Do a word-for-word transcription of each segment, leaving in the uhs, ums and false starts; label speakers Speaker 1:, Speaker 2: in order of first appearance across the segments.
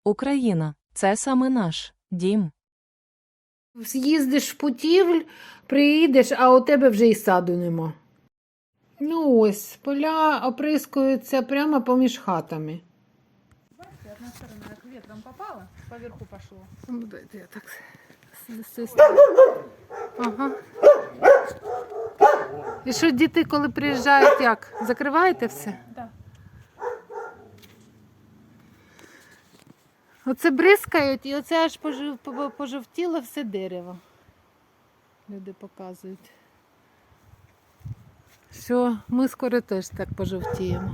Speaker 1: Україна – це саме наш дім.
Speaker 2: З'їздиш в путівль, приїдеш, а у тебе вже і саду нема. Ну ось, поля оприскуються прямо поміж хатами.
Speaker 3: Бачите, одна сторона як ветром попала, поверху пошло.
Speaker 2: Ну, дайте я так з цієї сторони. Ага. І що діти, коли приїжджають, як? Закриваєте все?
Speaker 3: Да.
Speaker 2: Оце бризкають, і оце аж пожив- по- пожовтіло все дерево. Люди показують. Що ми скоро теж так пожовтіємо.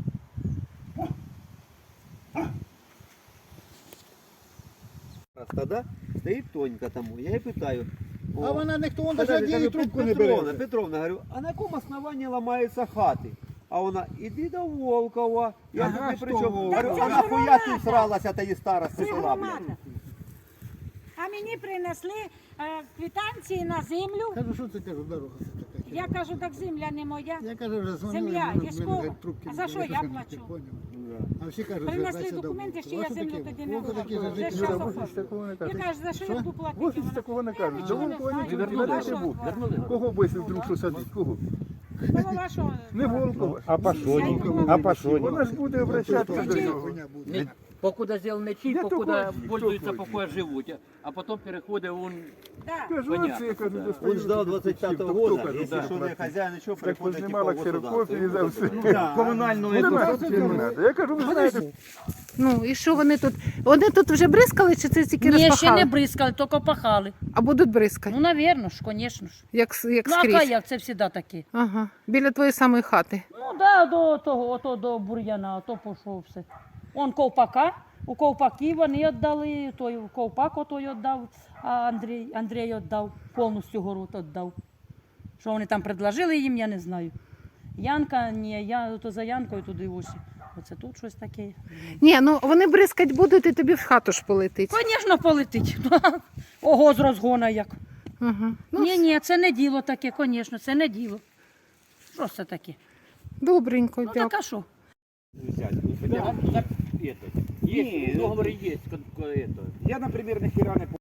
Speaker 4: Тогда стоит Тонька тому. Я її питаю.
Speaker 5: А
Speaker 4: о,
Speaker 5: вона ніхто, он
Speaker 4: подожди,
Speaker 5: навіть її
Speaker 4: кажу,
Speaker 5: трубку не
Speaker 4: Петровна,
Speaker 5: бере.
Speaker 4: Петровна, говорю, а на якому основанні ламаються хати? А вона, іди до Волкова. Я
Speaker 5: Ага,
Speaker 4: тут не при
Speaker 5: що
Speaker 4: чому.
Speaker 5: Волкова?
Speaker 4: Говорю, а нахуя ти всралася та її старості села, блядь?
Speaker 6: громада. А мені принесли е, квитанції на землю.
Speaker 5: Кажу, що це кажу, дорога це така.
Speaker 6: Я кажу, так земля не моя.
Speaker 5: Я кажу, вже дзвонила,
Speaker 6: Земля,
Speaker 5: вони
Speaker 6: військова.
Speaker 5: мене трубки
Speaker 6: А за
Speaker 5: не
Speaker 6: що
Speaker 5: беруть,
Speaker 6: я
Speaker 5: не
Speaker 6: плачу?
Speaker 5: поняв.
Speaker 4: Да.
Speaker 5: А всі кажуть,
Speaker 6: Принесли
Speaker 5: звертайся до
Speaker 6: документи,
Speaker 5: Волкова.
Speaker 6: що я
Speaker 5: А що
Speaker 6: землю
Speaker 5: таке?
Speaker 6: тоді не
Speaker 5: Волков такі
Speaker 6: оформила.
Speaker 5: же
Speaker 6: Вже
Speaker 5: жити
Speaker 6: щас
Speaker 5: не
Speaker 6: оформила.
Speaker 7: Такого не
Speaker 6: Я
Speaker 7: кажуть.
Speaker 6: кажу, за що я буду платити?
Speaker 7: Ось
Speaker 6: Вона,
Speaker 7: такого не
Speaker 6: «Я
Speaker 7: кажуть.
Speaker 6: нічого
Speaker 7: До
Speaker 6: не
Speaker 7: Волкова
Speaker 6: знаю».
Speaker 7: нічого
Speaker 6: Ну,
Speaker 7: не
Speaker 6: а що?
Speaker 7: будуть. Кого б якщо вдруг що садить? Кого?
Speaker 6: Голова що?
Speaker 7: Не Волкова.
Speaker 8: А по
Speaker 6: Я й
Speaker 8: Соні?
Speaker 6: думала,
Speaker 8: А по Соні?
Speaker 7: Вона ж буде обращатися до
Speaker 5: Така
Speaker 7: нього.
Speaker 5: хуйня буде.
Speaker 9: Не, покуда сделаны чип,
Speaker 7: Я
Speaker 9: покуда
Speaker 7: такой,
Speaker 9: пользуются,
Speaker 7: такой.
Speaker 9: покуда живут, а потом переходит он...
Speaker 6: Да.
Speaker 7: Кажу,
Speaker 9: Понятно,
Speaker 7: оце, я кажу,
Speaker 9: да.
Speaker 7: достаю.
Speaker 4: Он ждал двадцать пятого
Speaker 7: Хто
Speaker 4: года,
Speaker 7: каже,
Speaker 4: если
Speaker 7: да,
Speaker 4: что, не
Speaker 7: брат?
Speaker 4: хозяин, еще
Speaker 7: Так
Speaker 4: приходит
Speaker 7: познімала
Speaker 4: типа
Speaker 7: ксерокопії за все.
Speaker 8: Комунальну
Speaker 7: Ну,
Speaker 8: яку?
Speaker 7: це не треба. Я кажу, ви знаєте,
Speaker 2: Ну і що вони тут? Вони тут вже бризкали, чи це тільки
Speaker 3: Ні, ще
Speaker 2: розпахали?
Speaker 3: не бризкали, тільки пахали.
Speaker 2: А будуть бризкати?
Speaker 3: Ну, навірно ж, звісно ж.
Speaker 2: Як, с- як
Speaker 3: Ну, а
Speaker 2: скрізь?
Speaker 3: як, це завжди таке.
Speaker 2: Ага. Біля твоєї самої хати.
Speaker 3: Ну, да, до того, ото до бур'яна, ото пішов все. Он ковпака, у ковпаки вони віддали, той ковпак отой віддав, а Андрій, Андрій віддав, повністю город віддав. Що вони там предложили їм, я не знаю. Янка, ні, я то за Янкою туди ось. Оце тут щось таке.
Speaker 2: Ні, ну вони бризкать будуть і тобі в хату ж полетить.
Speaker 3: Звісно, полетить. Ого, з розгона як.
Speaker 2: Ага. Ну,
Speaker 3: Ні, ні, це не діло таке, звісно, це не діло. Що це таке?
Speaker 2: добренько,
Speaker 3: Ну
Speaker 2: дякую.
Speaker 3: так а що?
Speaker 9: Взять, ну, хотя бы за это. Есть, договоры есть, как, как это.
Speaker 8: Я, наприклад, ніхіра не